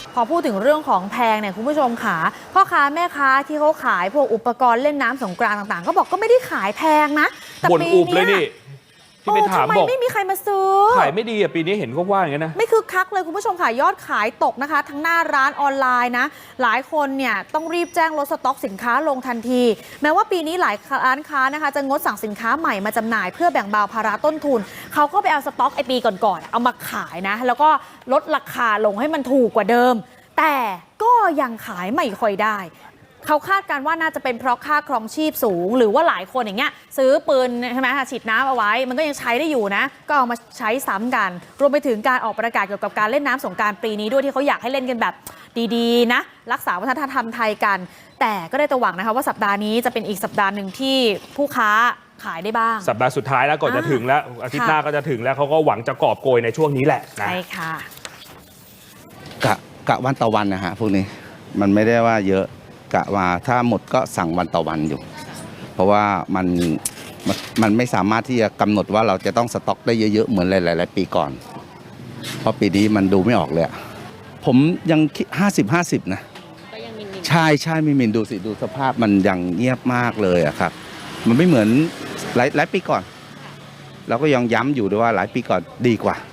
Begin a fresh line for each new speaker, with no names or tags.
พอพูดถึงเรื่องของแพงเนี่ยคุณผู้ชมขาพ่อค้าแม่ค้าที่เขาขายพวกอุปกรณ์เล่นน้ำสงกรานต์ต่างๆก็บอกก็ไม่ได้ขายแพงนะแต่ปีนี้
ที่ไปถามบอก
ไม่มีใครมาซื้อ
ขายไม่ดีปีนี้เห็นเขาว่าอย่างนี้นะ
ไม่คึกคักเลยคุณผู้ชมค่ะยอดขายตกนะคะทั้งหน้าร้านออนไลน์นะหลายคนเนี่ยต้องรีบแจ้งลดสต็อกสินค้าลงทันทีแม้ว่าปีนี้หลายร้านค้านะคะจะงดสั่งสินค้าใหม่มาจำหน่ายเพื่อแบ่งเบาภาระต้นทุนเขาก็ไปเอาสต็อกไอปีก่อนๆเอามาขายนะแล้วก็ลดราคาลงให้มันถูกกว่าเดิมแต่ก็ยังขายไม่ค่อยได้เขาคาดการว่าน่าจะเป็นเพราะค่าครองชีพสูงหรือว่าหลายคนอย่างเงี้ยซื้อปืนใช่ไหมฉีดน้ำเอาไว้มันก็ยังใช้ได้อยู่นะก็เอามาใช้ซ้ำกันรวมไปถึงการออกประกาศเกี่ยวกับการเล่นน้ำสงกรานต์ปีนี้ด้วยที่เขาอยากให้เล่นกันแบบดีๆนะรักษาวัฒนธรรมไทยกันแต่ก็ได้แต่หวังนะคะว่าสัปดาห์นี้จะเป็นอีกสัปดาห์หนึ่งที่ผู้ค้าขายได้บ้าง
สัปดาห์สุดท้ายแล้วก่อนจะถึงแล้วอาทิตย์หน้าก็จะถึงแล้วเขาก็หวังจะกอบโกยในช่วงนี้แหละ
ใช่ค่ะ
กะวันต่อวันนะฮะพวกนี้มันไม่ได้ว่าเยอะกะว่าถ้าหมดก็สั่งวันต่อวันอยู่ เพราะว่ามันไม่สามารถที่จะกำหนดว่าเราจะต้องสต็อกได้เยอะๆเหมือนหลายๆปีก่อนเพราะปีนี้มันดูไม่ออกเลยผมยัง50-50นะใช่มีมินดูสิดูสภาพมันยังเงียบมากเลยอะครับมันไม่เหมือนหลายปีก่อนเราก็ยังย้ำอยู่ด้วยว่าหลายปีก่อนดีกว่า